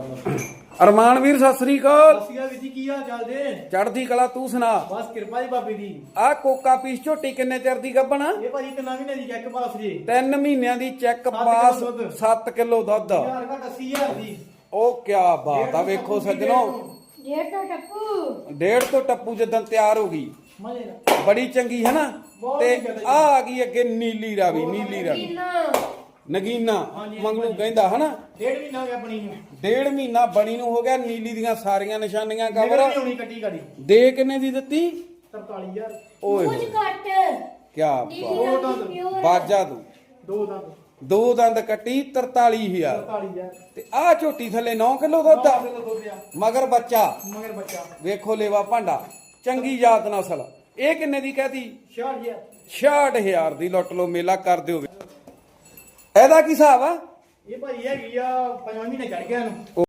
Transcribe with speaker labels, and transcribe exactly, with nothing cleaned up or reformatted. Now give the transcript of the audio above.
Speaker 1: ਅਰਮਾਨ ਵੀਰ ਸਤਿ ਸ੍ਰੀ ਅਕਾਲ।
Speaker 2: ਸਤਿ ਸ਼੍ਰੀ ਅਕਾਲ ਵੀਰ ਜੀ, ਕੀ ਹਾਲ ਚਾਲ ਜੇ?
Speaker 1: ਚੜ੍ਹਦੀ ਕਲਾ, ਤੂੰ ਸੁਣਾ?
Speaker 2: ਬਸ ਕਿਰਪਾ ਜੀ ਬਾਬੇ ਦੀ।
Speaker 1: ਆ ਕੋਕਾ ਪੀਸ ਝੋਟੀ ਕਿੰਨੇ ਚਿਰ ਦੀ ਗੱਭਣ?
Speaker 2: ਇਹ ਭਾਜੀ ਤਿੰਨਾਂ ਮਹੀਨੇ ਦੀ ਚੈੱਕ ਪਾਸ ਜੀ।
Speaker 1: ਤਿੰਨ ਮਹੀਨਿਆਂ ਦੀ ਚੈੱਕ
Speaker 2: ਸੱਤ
Speaker 1: ਪਾਸ,
Speaker 2: ਕਿੱਲੋ ਦੁੱਧ।
Speaker 1: ਸੱਤ ਕਿਲੋ ਦੁੱਧ।
Speaker 2: ਯਾਰ ਘਟ ਅੱਸੀ ਹਜ਼ਾਰ ਦੀ।
Speaker 1: ਉਹ ਕਿਆ ਬਾਤ ਆ, ਵੇਖੋ ਸੱਜਣੋ,
Speaker 3: ਡੇਢ ਤੋਂ ਟੱਪੂ
Speaker 1: ਡੇਢ ਤੋਂ ਟੱਪੂ ਜਦੋਂ ਤਿਆਰ ਹੋ ਗਈ,
Speaker 2: ਮਜ਼ੇ ਨਾਲ
Speaker 1: ਬੜੀ ਚੰਗੀ ਹੈ ਨਾ।
Speaker 2: ਬਹੁਤ
Speaker 1: ਤੇ
Speaker 2: ਚੰਗੀ ਗੱਲ
Speaker 1: ਆ
Speaker 2: ਹੈ
Speaker 1: ਆ ਗਈ ਅੱਗੇ ਨੀਲੀ ਰਾਵੀ, ਨੀਲੀ ਰਾਵੀ
Speaker 3: ਕਿੰਨਾ
Speaker 1: ਨਗੀਨਾ
Speaker 2: ਹਾਂਜੀ,
Speaker 1: ਮੰਗਲੂ
Speaker 2: ਹਾਂਜੀ।
Speaker 1: ਕਹਿੰਦਾ ਹਨਾ।
Speaker 2: ਡੇਢ ਮਹੀਨਾ ਹੋ ਗਿਆ ਬਣੀ ਨੂੰ।
Speaker 1: ਡੇਢ ਮਹੀਨਾ ਬਣੀ ਨੂੰ ਹੋ ਗਿਆ, ਨੀਲੀ ਦੀਆਂ ਸਾਰੀਆਂ ਨਿਸ਼ਾਨੀਆਂ
Speaker 2: ਨਿਕਲ
Speaker 1: ਕਵਰ।
Speaker 2: ਨਹੀਂ ਆਉਣੀ ਕੱਟੀ ਗਾੜੀ।
Speaker 1: ਦੇ ਕਿੰਨੇ ਦੀ ਦਿੱਤੀ?
Speaker 2: ਤਰਤਾਲੀ ਹਜ਼ਾਰ।
Speaker 1: ਓਏ
Speaker 3: ਕੁਝ
Speaker 1: ਹੋਏ,
Speaker 3: ਘੱਟ
Speaker 1: ਕਿਆ
Speaker 3: ਨੀਲੀ
Speaker 1: ਬਾਤ।
Speaker 3: ਰੰਗ
Speaker 2: ਦੋ
Speaker 3: ਦੀ pure।
Speaker 1: ਬਾਜਾ ਤੂੰ
Speaker 2: ਦੋ ਦੰਦ
Speaker 1: ਦੋ ਦੰਦ ਕੱਟੀ ਤਰਤਾਲੀ ਹਜ਼ਾਰ।
Speaker 2: ਤਰਤਾਲੀ ਹਜ਼ਾਰ।
Speaker 1: ਤੇ ਆਹ ਝੋਟੀ ਥੱਲੇ ਨੌ ਕਿਲੋ ਦੁੱਧ ਆ,
Speaker 2: ਨੌ ਕਿਲੋ ਦੁੱਧ ਆ।
Speaker 1: ਮਗਰ ਬੱਚਾ
Speaker 2: ਮਗਰ ਬੱਚਾ
Speaker 1: ਵੇਖੋ, ਲੇਵਾ ਭਾਂਡਾ, ਚੰਗੀ ਜਾਤ ਨਸਲ। ਇਹ ਕਿੰਨੇ ਦੀ ਕਹਤੀ?
Speaker 2: ਛਿਆਹਠ ਹਜ਼ਾਰ।
Speaker 1: ਛਿਆਹਠ ਹਜ਼ਾਰ ਦੀ। ਲੁੱਟ ਲੋ, ਮੇਲਾ ਕਰ ਦਿਓ। ਇਹਦਾ ਕੀ ਹਿਸਾਬ ਆ?
Speaker 2: ਇਹ ਭਾਜੀ ਹੈਗੀ ਆ ਪੰਜਵਾਂ ਮਹੀਨੇ ਚੜ ਗਿਆ ਇਹਨੂੰ।